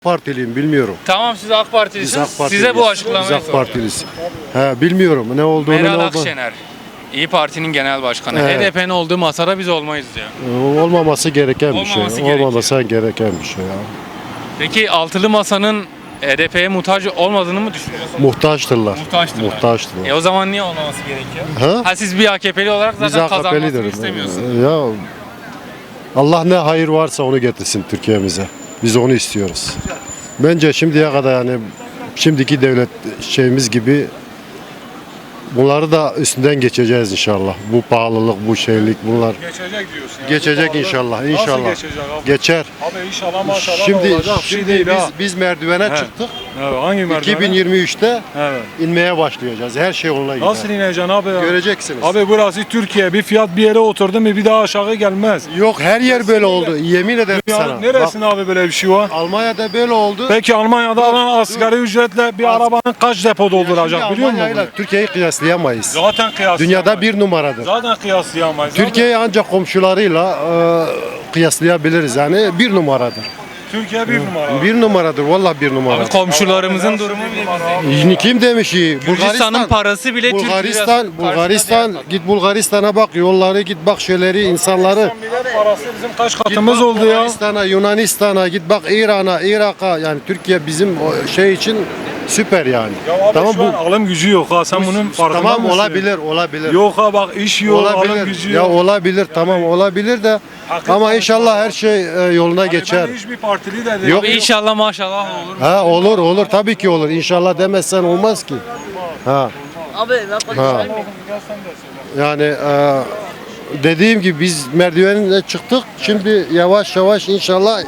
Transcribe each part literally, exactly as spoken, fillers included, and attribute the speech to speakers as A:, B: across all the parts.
A: Partiliyim bilmiyorum.
B: Tamam, siz AK Partilisiniz.
A: Biz AK Partiliyiz.
B: Size bu açıklamayı
A: Biz AK
B: soracağım.
A: Partiliyiz. He, bilmiyorum ne olduğunu
B: Meral
A: ne olduğunu.
B: Akşener, İyi Parti'nin genel başkanı.
A: Evet.
B: H D P'nin olduğu masada biz olmayız diyor.
A: Ee, Olmaması gereken bir şey.
B: Olmaması gerekiyor.
A: Olmaması gereken bir şey ya.
B: Peki altılı masanın H D P'ye muhtaç olmadığını mı düşünüyorsunuz?
A: Muhtaçtırlar.
B: Muhtaçtırlar.
A: Muhtaçtırlar.
B: E o zaman niye olmaması gerekiyor?
A: Ha?
B: Ha, siz bir A K P'li olarak
A: Biz
B: zaten
A: A K
B: kazanmasını
A: P'lidir.
B: istemiyorsunuz.
A: Ya Allah ne hayır varsa onu getirsin Türkiye'mize. Biz onu istiyoruz. Bence şimdiye kadar yani şimdiki devlet şeyimiz gibi bunları da üstünden geçeceğiz inşallah. Bu pahalılık, bu şeylik bunlar
C: Geçecek diyorsun. Yani.
A: geçecek
C: Bu pahalı-
A: inşallah.
C: Nasıl
A: İnşallah.
C: geçecek abi?
A: Geçer.
C: Abi inşallah maşallah
A: Şimdi
C: olacak bir şey
A: şimdi
C: değil
A: biz
C: ha.
A: biz merdivene
C: He.
A: çıktık.
C: Evet, hangi merdivene?
A: iki bin yirmi üçte
C: Evet.
A: inmeye başlayacağız. Her şey yoluna gider.
C: Nasıl ineceksin abi ya?
A: Göreceksiniz.
C: Abi burası Türkiye. Bir fiyat bir yere oturdu mu bir daha aşağı gelmez.
A: Yok her yer böyle oldu. Yemin ederim
C: Ya
A: sana.
C: neresinde abi böyle bir şey var?
A: Bak, Almanya'da böyle oldu.
C: Peki Almanya'da
A: Dur,
C: alan asgari ücretle bir
A: Az-
C: arabanın kaç depo
A: Şimdi
C: dolduracak biliyor musun?
A: Almanya'yla
C: bunu?
A: Türkiye'yi kıyaslayamayız.
C: Zaten kıyaslayamayız.
A: Dünyada bir numaradır.
C: Zaten kıyaslayamayız. Zaten
A: Türkiye'yi ancak komşularıyla e, kıyaslayabiliriz yani bir numaradır.
C: Türkiye bir numara.
A: Bir numaradır vallahi bir
B: Abi
A: numara.
B: komşularımızın durumu bile bize.
A: Kim demiş iyi?
B: Gürcistan'ın parası bile Türk
A: Bulgaristan,
B: lirası
A: Bulgaristan
B: karşısında
A: git Bulgaristan'a bak yolları git bak şeyleri insanları.
C: Millet parası bizim kaç
A: Git
C: katımız
A: bak
C: oldu ya?
A: Bulgaristan'a, Yunanistan'a git bak İran'a, Irak'a yani Türkiye bizim o şey için süper yani.
C: Ya abi
A: Tamam
C: şu an
A: bu
C: alım gücü yok ha sen bunun farkında
A: tamam
C: mısın?
A: olabilir, olabilir.
C: Yok ha bak iş yok, alım
A: olabilir.
C: gücü
A: Ya
C: yok.
A: olabilir tamam olabilir de
C: Hakikaten
A: ama inşallah her şey e, yoluna
C: Hani
A: geçer.
C: Ben hiçbir partili de değilim.
A: Yok.
B: Abi inşallah maşallah olur.
A: Ha olur olur tabii ki olur. İnşallah demezsen olmaz ki. Ha.
D: Abi ben
A: Ha. Yani e, dediğim gibi biz merdivenle çıktık. Şimdi yavaş yavaş inşallah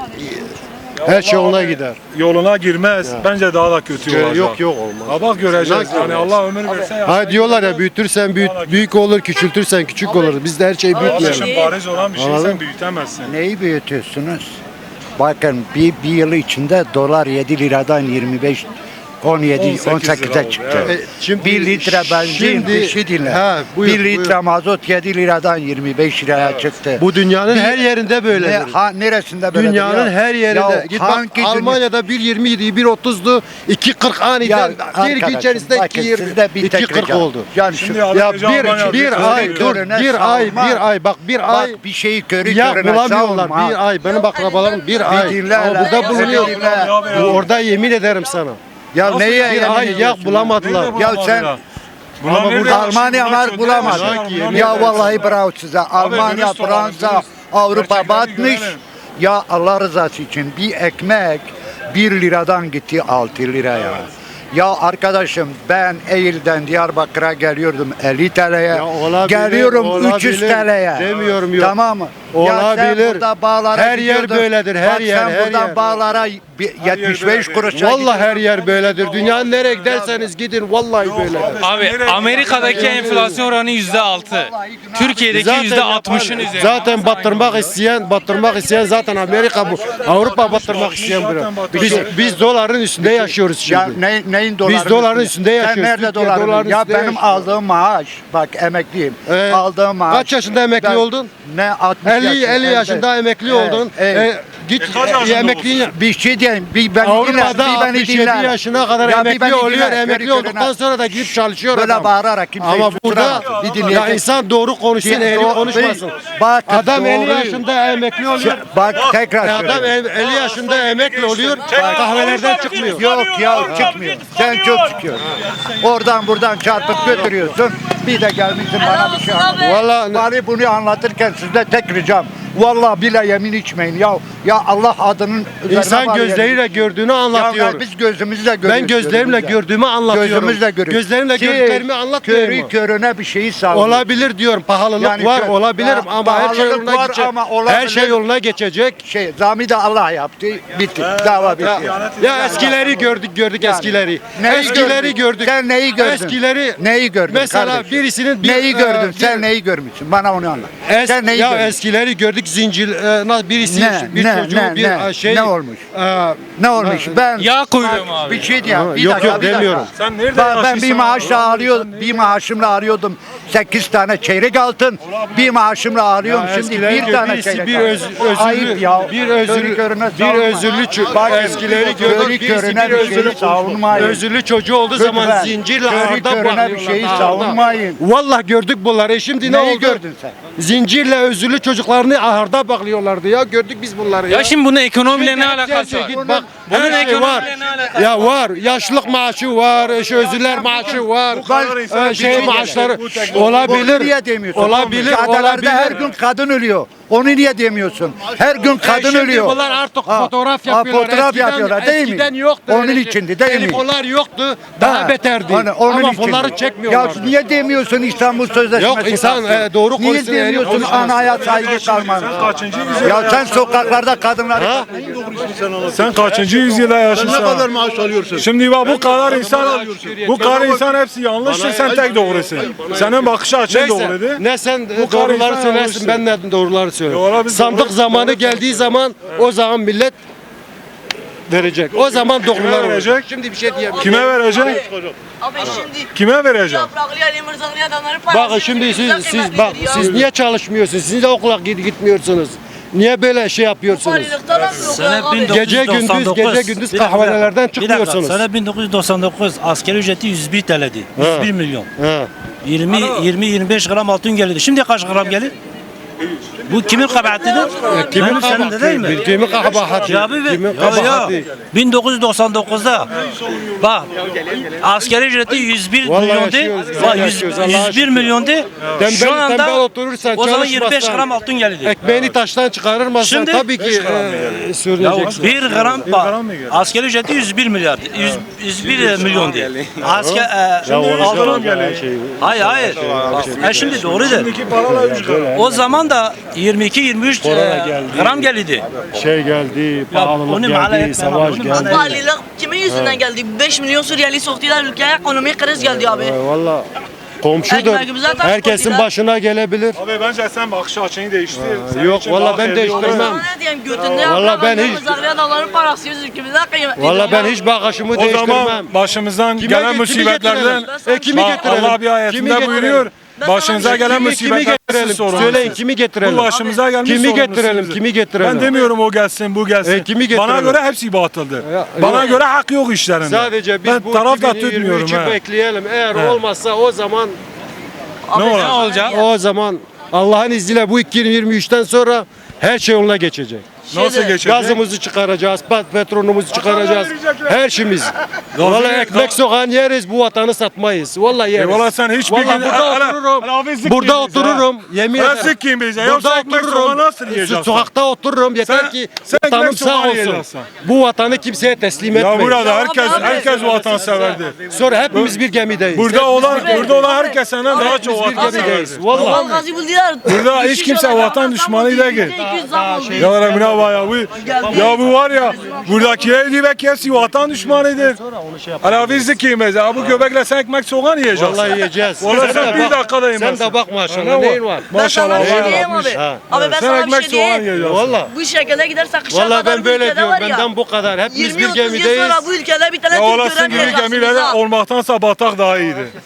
A: her şey
C: Allah
A: yoluna
C: abi,
A: gider.
C: Yoluna girmez. Bence daha da kötü olacak.
A: Yok yok olmaz.
C: Ha bak göreceğiz.
A: Yok,
C: Yani
A: yok.
C: Allah ömür verse ya.
A: Ha diyorlar ya büyütürsen büyük, büyük olur, küçültürsen küçük olur. Biz de her şeyi büyütmeyelim.
C: Kardeşim bariz olan bir şey
A: Anladın?
C: sen büyütemezsin.
E: Neyi büyütüyorsunuz? Bakın bir, bir yıl içinde dolar yedi liradan yirmi beş on yedi
C: on sekiz
E: on sekize
C: lira oldu,
E: çıktı.
C: evet.
A: E, şimdi-
E: bir litre benzin
A: şimdi-
E: bir şey dinle.
A: Ha, buyur,
E: bir litre
A: buyur.
E: mazot yedi liradan yirmi beş liraya çıktı.
A: Bu dünyanın
E: Bir-
A: her yerinde
E: ne,
A: böyledir.
E: ha, neresinde böyle?
A: Dünyanın her yerinde. Git bak Almanya'da bir yirmi idi, bir otuzdu, iki kırk aniden bir gün içerisinde iki yirmi, iki kırk oldu.
E: Yani
C: Şimdi
E: şu,
C: adam-
A: Ya
C: Almanya
A: bir, bir
C: bir
A: ay
C: körü
A: dur,
E: körüne
A: bir ay,
E: savunma.
A: bir ay bak bir ay
E: bak bir şeyi körü
A: ya
E: körüne
A: bulamıyorlar
E: savunma.
A: bir ay benim akrabalarım bir ay
E: dinle
A: ama
E: hele,
A: burada
E: bir
A: bulunuyor.
E: dinle.
A: Bu orada yemin ederim sana.
E: Ya
C: Nasıl
E: neye
C: yani?
A: Bir
E: yemin
A: ay yak
E: ediyorsun?
A: bulamadılar.
C: Nerede
E: Ya
C: bulamadılar?
E: sen-
C: Bunlar
A: Ama
C: nerede
A: burada
C: yaşıyor?
E: Almanya
C: Bunlar
E: var
C: köyde
E: bulamaz.
C: yaşıyorlar,
A: Ya
C: bunlar
A: yemin
E: Ya
C: nerede
E: vallahi bravo size. Almanya,
C: dürüst olalım,
E: Fransa,
C: dürüst.
E: Avrupa
C: Gerçekleri
E: batmış.
C: görelim.
E: Ya Allah rızası için bir ekmek bir liradan gitti altı liraya. Ya arkadaşım ben Eylül'den Diyarbakır'a geliyordum elli T L'ye.
A: Ya olabilir,
E: Geliyorum üç yüz
A: olabilir.
E: T L'ye.
A: Demiyorum yok.
E: Tamam mı? Ya sen
A: Olabilir.
E: burada bağlara
A: Her yer
E: gidiyordun.
A: böyledir, her
E: Bak
A: yer,
E: sen
A: her
E: buradan
A: yer.
E: bağlara bir- yetmiş beş
C: böyledir.
E: kuruşa
A: Vallahi her yer böyledir. Dünyanın nereye giderseniz gidin vallahi böyle.
B: Abi Amerika'daki enflasyon oranı yüzde altı. Türkiye'deki yüzde altmışın üzerinde.
A: Zaten battırmak isteyen, battırmak isteyen zaten Amerika bu. Avrupa battırmak isteyen bu. Biz biz doların üstünde yaşıyoruz
E: Ya
A: şimdi.
E: ne, neyin doların
A: Biz doların üstünde
E: Sen
A: yaşıyoruz.
E: nerede
A: Türkiye
E: doların?
A: doların
E: Ya
A: üstünde
E: benim
A: yaşıyor.
E: aldığım maaş, bak emekliyim.
A: Ee,
E: aldığım maaş.
A: kaç yaşında emekli
E: Ben-
A: oldun?
E: Ne altmış
A: elli
E: yaşında,
A: elli yaşında emekli
E: Evet,
A: oldun.
E: evet.
A: E, git
C: E, kaç yaşında
A: emekli
E: Bir şey diyeyim, bir beni
A: Avrupa'da
E: dinle, bir beni
A: altmış yedi
E: dinle.
A: yaşına kadar
E: Ya bir
A: emekli
E: beni
A: oluyor.
E: dinle,
A: Emekli
E: körü
A: olduktan
E: körüne.
A: sonra da gidip çalışıyor
E: Böyle
A: adam.
E: bağırarak kimseyi
A: Ama burada
E: susturamaz. Bir
A: ya
E: dinleyeceksin.
A: insan doğru konuşsun,
E: Bir-
A: eğri
E: doğru-
A: konuşmasın.
E: Bak,
A: Adam elli
E: doğruyu-
A: yaşında emekli oluyor.
E: Bak tekrar
A: E, Adam
E: söylüyorum.
A: elli yaşında emekli oluyor. Kahvelerden çıkmıyor.
E: Yok ya çıkmıyor. Sen çok çıkıyorsun. Oradan buradan çarpıp götürüyorsun. Bir de gelmişsin bana bir şey anlatıyorsun.
A: Vallahi
E: Bari bunu anlatırken sizde tek ricam. Vallahi bile yemin içmeyin ya. Ya Allah adının üzerine
A: insan
E: var
A: gözleriyle
E: yemin.
A: gördüğünü
E: Ya
A: anlatıyor.
E: biz gözümüzle görüyoruz.
A: Ben gözlerimle
E: gözümüzle.
A: gördüğümü anlatıyorum.
E: Gözümüzle görüyoruz.
A: Gözlerimle
E: Ki
A: gördüklerimi anlatmıyorum.
E: Körü körüne bir şeyi savunuyor.
A: Olabilir diyorum. Pahalılık
E: Yani
A: var,
E: kö-
A: olabilir
E: Ya,
A: ama her şey
E: pahalılık
A: yoluna
E: var
A: geçecek.
E: ama olabilir.
A: Her şey yoluna geçecek.
E: Şey, zami de Allah yaptı. Bitti. Dava bitti.
A: Ya, ya eskileri gördük gördük
E: Yani.
A: eskileri.
E: Neyi
A: Eskileri
E: gördün?
A: gördük.
E: Sen neyi gördün?
A: Eskileri
E: Neyi gördün
A: Mesela
E: kardeşim?
A: birisinin bir
E: Neyi
A: e,
E: gördün?
A: bir-
E: Sen neyi görmüşsün? Bana onu anlat.
A: Es,
E: Sen neyi
A: ya
E: gördün?
A: eskileri gördük zincir e, na- birisi
E: Ne,
A: bir
E: ne,
A: çocuğu
E: ne,
A: bir
E: ne?
A: e, şey
E: Ne olmuş?
A: e,
E: Ne olmuş? Ben
B: Yağ kuyruğu
E: Bak,
B: mu abi?
E: Bir şey diyeyim. Bir
A: Yok,
E: dakika,
A: yok,
E: bir dakika.
A: demiyorum.
C: Sen nerede
E: Ben, ben bir
C: yaşıyorsun?
E: maaşla
C: Allah'ım,
E: arıyordum.
C: sen
E: Bir
C: nerede-
E: maaşımla arıyordum. sekiz tane çeyrek altın bir maaşımla alıyorum.
A: Ya
E: Şimdi
A: eskileri
E: bir tane
A: gördü,
E: çeyrek
A: bir
E: altın.
A: öz- özürlü-
E: Ayıp ya.
A: bir özürlü-
E: Körü körüne
A: bir
E: savunma.
A: özürlü ço-
E: Bak,
A: eskileri
E: körü
A: gördük, birisi
E: körüne
A: bir
E: bir şeyi
A: özürlü-
E: savunmayın.
A: Özürlü çocuğu olduğu zaman
E: Lütfen.
A: zincirle
E: Körü
A: ağırda
E: körüne bir
A: bağlıyorlar.
E: şeyi
A: ağırda.
E: savunmayın.
A: Vallahi gördük bunları. E şimdi ne
E: Neyi
A: oldu?
E: gördün sen?
A: Zincirle özürlü çocuklarını ahırda bağlıyorlardı ya. Gördük biz bunları ya.
B: Ya şimdi bunun ekonomiyle ne
A: Şimdi
B: alakası var?
A: git bak.
B: Bunun
A: Her şey
B: ekonomiyle
A: var.
B: ne alakası
A: Ya var. Yaşlılık maaşı var. Eş özürler maaşı var.
C: Bu kadar insan
A: e, Şey
C: bir-
A: maaşları
C: bu tek-
E: Onu
A: olabilir.
E: niye demiyorsun?
A: Olabilir.
E: Adalarda
A: Olabilir.
E: her gün kadın ölüyor. Onu niye demiyorsun? Her gün
A: E
E: kadın
A: şimdi
E: ölüyor.
A: Bunlar artık
E: Ha,
A: fotoğraf
E: ha,
A: yapıyorlar.
E: fotoğraf
A: Eskiden-
E: yapıyorlar değil mi?
A: Eskiden yoktu.
E: Onun
A: öyle şey.
E: içindi değil mi?
A: Telefonlar yoktu. Daha
E: Ha,
A: beterdi.
E: hani onun
A: Ama
E: için.
A: fonları
E: Ya
A: çekmiyorlar.
E: niye demiyorsun İstanbul Sözleşmesi?
A: Yok, insan,
E: kalksın?
A: e, doğru
E: Niye
A: konuşsun, eğri
E: demiyorsun
A: konuşmasın.
E: anaya saygı kalmanı?
C: Kaçıncı yüzyılda
E: Ya sen sokaklarda kadınları...
A: Ha?
C: Sen kaçıncı yüzyılda yaşıyorsun?
D: Ne kadar maaş alıyorsun?
C: Şimdi bak bu kadar insan bu kadar insan hepsi yanlıştır, sen tek doğrusun. Senin bakış açın doğruydu.
A: Neyse, ne sen
C: Bu kadar
A: doğruları
C: insan
A: söylersin,
C: yanlıştır.
A: ben de doğruları söylüyorum.
C: Doğru, biz
A: Sandık
C: doğru-
A: zamanı
C: doğru
A: geldiği zaman o zaman millet verecek. O zaman doğrular
C: verecek?
A: olacak. Şimdi bir şey diyemem.
C: Kime verecek?
F: Abi şimdi
C: Kime verecek?
F: yapraklı Ali Mırzaklı adamların parası.
A: Bakın şimdi siz,
F: güzel
A: siz
F: kıymetlidir
A: bak
F: ya.
A: siz niye çalışmıyorsunuz? Siz de okula git- gitmiyorsunuz. Niye böyle şey yapıyorsunuz?
F: Valilikten mi yok
G: Sene
F: ya abi?
G: bin dokuz yüz
A: Gece gündüz
G: doksan dokuz.
A: gece gündüz
G: Bir dakika,
A: kahvelerden
G: bir dakika.
A: çıkmıyorsunuz.
G: Sene bin dokuz yüz doksan dokuz askeri ücreti yüz bir T L'di. yüz bir milyon.
A: He.
G: yirmi yirmi yirmi beş gram altın geldi. Şimdi kaç gram gelir? Bu kimin kabahatidir?
A: Kimin
G: Benim, senin de değil mi?
A: kabahati? Kimin kabahati?
G: Ya abi,
A: Kimin
G: ya, ya.
A: kabahati?
G: bin dokuz yüz doksan dokuzda bak askeri ücreti yüz bir
A: Vallahi
G: milyondu.
A: yaşıyoruz,
G: Bak,
A: yaşıyoruz, Allah'a
G: yüz bir
A: şükür.
G: milyondu.
A: Tembel,
G: Şu anda
A: tembel oturursan,
G: o zaman yirmi beş
A: çalışmazsan,
G: gram altın geldi.
A: Ekmeğini taştan çıkarırmazsan
G: Şimdi-
A: tabii ki e,
G: Ya
A: söyleyeceksin.
G: bir gram
C: gram
G: bak
C: mı geldi?
G: askeri ücreti yüz bir milyar. yüz, yüz bir milyon diye. Asker e, altın
A: şey.
G: hayır hayır. Bak, e şimdi doğrudur. O zaman da yirmi iki yirmi üç gram geldi.
A: Şey geldi,
G: onu
A: pahalılık
G: mahalle
A: geldi,
G: etmem,
A: savaş
G: onu
A: geldi.
G: mahalle-
F: Valilik kimin yüzünden geldi? beş milyon Suriyeli soktular ülkeye, ekonomik kriz geldi abi.
A: E, Valla komşudur.
F: Ekmeğimize taş
A: Herkesin
F: koydular.
A: başına gelebilir.
C: Abi bence sen bakış açını değiştir. Senin
A: Yok,
C: için
A: vallahi
C: daha
A: ben
C: hayırlı
A: değiştirmem.
C: olur.
F: Sana ne diyeyim götünde
A: Vallahi
F: yaprak
A: ben
F: Ali
A: hiç-
F: Mırzaklı adamların parası yüz ülkemize kıymetlidir
A: Valla
F: ya.
A: ben hiç bakışımı
C: O
A: değiştirmem.
C: zaman başımızdan
A: Kime-
C: gelen
A: kimi
C: musibetlerden
A: getirelim? E, kimi
C: Bak,
A: getirelim?
C: Allah bir
A: Kimi
C: ayetinde
A: getirelim?
C: buyuruyor.
F: Ben
C: Başınıza
F: sana-
C: gelen
A: Kimi, kimi
C: musibetler
A: getirelim?
C: siz sorun.
A: Söyleyin kimi getirelim?
C: Bu başımıza gelmiş
A: Kimi
C: sorumlusunuz.
A: getirelim? Kimi getirelim?
C: Ben demiyorum o gelsin bu gelsin.
A: E, kimi
C: Bana
A: getirelim?
C: göre hepsi batıldır.
A: Ya,
C: Bana
A: yok.
C: göre hak yok işlerinde.
A: Sadece biz
C: ben
A: bu
C: taraf da
A: iki bin yirmi
C: tutmuyorum.
A: üçü
C: he.
A: bekleyelim. Eğer
C: He.
A: olmazsa o zaman
C: Ne
F: Abi
C: olacak?
F: sana
B: olacak?
F: diyeyim.
A: o zaman Allah'ın izniyle bu iki bin yirmi üçten sonra her şey yoluna geçecek.
C: Nasıl
F: Şeyde-
C: geçecek?
A: Gazımızı çıkaracağız, pat- petrolümüzü çıkaracağız. Her şeyimiz. Vallahi
C: Gazı-
A: ekmek soğan yeriz, bu vatanı satmayız. Vallahi yeriz.
C: Eyvallah sen hiçbir
A: Vallahi
C: gün-
A: burada
C: Hele-
A: otururum.
C: hele abi zıkkın
A: Burada
C: bize,
A: otururum. Yemin
C: Hele
A: ederim.
C: zıkkın bize. Yoksa ekmek soğan nasıl yiyeceğiz?
A: Sokakta otururum yeter
C: Sen-
A: ki
C: sen
A: vatanım
C: ekmek
A: sağ
C: soğan
A: olsun.
C: yiyeceksin.
A: Bu vatanı kimseye teslim
C: Ya
A: etmeyin.
C: burada herkes
F: abi,
C: herkes vatanseverdir.
A: Sonra hepimiz bir gemideyiz.
C: Burada olan
F: Abi,
C: burada olan
F: abi,
C: herkes senden daha çok
A: bir gemideyiz.
C: vatanseverdir.
A: Vallahi.
F: Doğal gazı buldular.
C: Burada hiç
F: Düşüş
C: kimse
F: olarak
C: vatan
F: adam
C: düşmanı
F: oldu,
C: değil.
F: yüzde iki yüz zam oldu.
C: Ya Rabbine bak ya bu ya bu var ya buradakiler diye belki hepsi vatan düşmanıdır. Hala biz de kıymeyiz. Ya bu göbekle sen ekmek soğan yiyeceksin.
A: Vallahi yiyeceğiz.
C: Vallahi sen
A: de
C: bir
A: bak-
C: dakikada
A: Sen
C: yemezsin.
A: de bak
C: Ne
A: maşallah
C: var?
A: neyin var?
F: Ben
C: Maşallah
F: sana bir şey
C: Allah
F: diyeyim
C: yapmış.
F: abi.
A: Ha.
F: Abi ben
C: Sen
F: sana bir
C: ekmek
F: şey
C: soğan
F: diyeyim.
C: yiyeceksin.
A: Vallahi.
F: Bu şekilde giderse kışa
A: Vallahi
F: kadar
A: ben
F: bu
A: böyle
F: ülkede
A: diyorum.
F: var ya.
A: Benden bu kadar. Hepimiz
F: yirmi
A: bir
F: otuz yıl
A: gemideyiz.
F: sonra bu ülkede bir tane
C: Ya
F: Türk
C: olasın gibi
F: göremeyeceksiniz
C: gemilerden
F: ha.
C: olmaktansa batak daha iyidir.